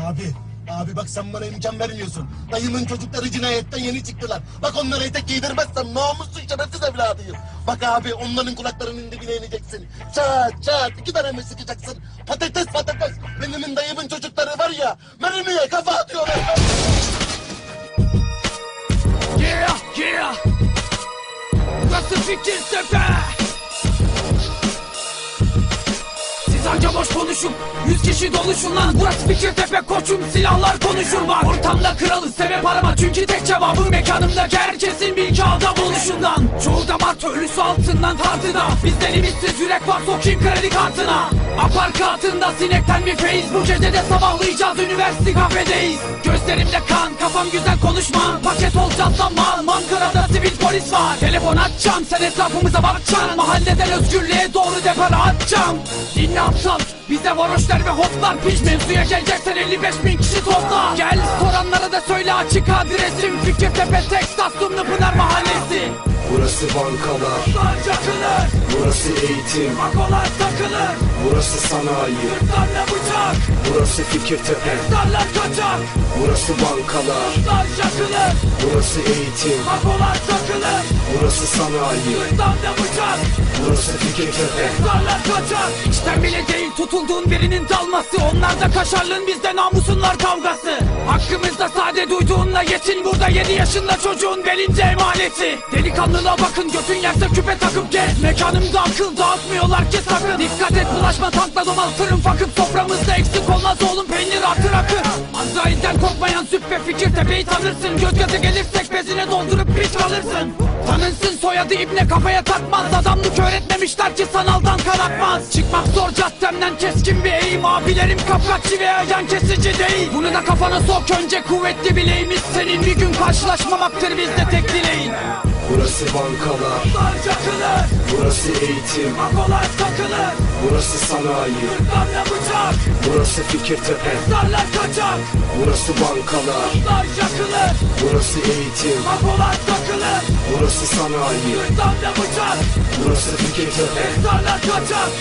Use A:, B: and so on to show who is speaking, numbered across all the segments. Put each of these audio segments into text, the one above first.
A: Abi bak sen bana imkan vermiyorsun. Dayımın çocukları cinayetten yeni çıktılar. Bak onlara etek giydirmezsem namussuz şerefsiz evladıyım. Bak abi onların kulaklarının dibine ineceksin. Çat 2 tane mi sıkacaksın? Patates. Benim dayımın çocukları var ya mermiye kafa atıyorlar.
B: Yeah. Burası Fikirtepe. Siz anca boş konuşun, 100 kişi doluşun lan. Burası Fikirtepe koçum, silahlar konuşur bak. Ortamda kralı sebep arama, çünkü tek cevabım mekanımdaki herkesin bir kağıda buluşundan. Çoğu damar köylüsü altından tartıda. Bizden ümitsiz yürek var, sokayım kredi kartına. Aparkatında sinekten bir feyiz. Bu gece de sabahlayacağız, üniversite kafedeyiz. Gözlerimde kan, kafam güzel konuşma. Paket olacağız lan mal, Ankara'da sivil polis var. Telefon açacağım, sen etrafımıza bakacaksın. Mahalleden özgürlüğe doğru depara atacağım. Dinle aptal, bizde varoşlar ve hotlar. Piş mevzuya geleceksen 55.000 kişi topla. Gel soranlara da söyle açık adresim. Fikirtepe Teksas Dumlupınar Mahallesi.
C: Burası bankalar,
B: Çakılır,
C: burası eğitim,
B: makolar takılır.
C: burası sanayi,
B: Yurtlarla bıçak,
C: burası Fikirtepe,
B: darlar kaçak.
C: burası bankalar,
B: Çakılır,
C: burası eğitim,
B: makolar takılır.
C: burası sanayi,
B: Yurtlarla bıçak,
C: burası Fikirtepe.
B: darlar kaçak. İçten bile değil tutulduğun birinin dalması. Onlar da kaşarlığın, bizde namusunlar kavgası. Hakkımızda sade duyduğunla yetin. Burada 7 yaşında çocuğun belince emaneti. Delikanlılığa bakın, götün yerse küpe takıp gez. Mekanımda akıl dağıtmıyorlar ki sakın. Dikkat et bulaşma, tankla domal fırın fakıp. Soframızda eksik olmaz oğlum, peynir artır akır. Azrail'den korkmayan süppe Fikirtepe'yi tanırsın. Göz göze gelirsek bezine doldurup piç kalırsın. Tanınsın soyadı ibne, kafaya takmaz. Adamlık öğretmemişler ki sanaldan kanatmaz. Çıkmak zor caddemden, keskin bir eğim. Abilerim kapkaççı veya yan kesici değil. Bunu da kafana sok, önce kuvvetli bileğimiz. Senin bir gün karşılaşmamaktır bizde tek dileğin.
C: Burası bankalar,
B: Çakılır,
C: burası eğitim,
B: makolar takılır.
C: burası sanayi,
B: Yurtlarla bıçak,
C: burası Fikirtepe,
B: darlar kaçak.
C: burası bankalar,
B: Çakılır,
C: burası eğitim,
B: makolar takılır.
C: burası sanayi,
B: Yurtlarla bıçak,
C: burası Fikirtepe.
B: darlar kaçak.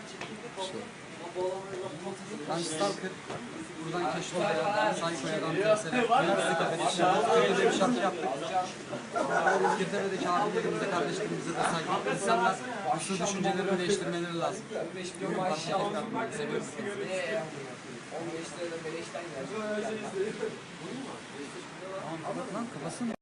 D: Ben Stalker, buradan Keşko'ya, Sayko'ya, Danteres'e, üniversite kafesi, Türkiye'de bir şarkı yaptık. Fikirtepe'deki abilerimize, kardeşlerimize de saygı. İnsanlar asıl düşüncelerini değiştirmeleri lazım.
E: 15 milyon maaş yapmak seviyoruz. 15 lirada beleşten geldi.
D: Tamam, lan kafasını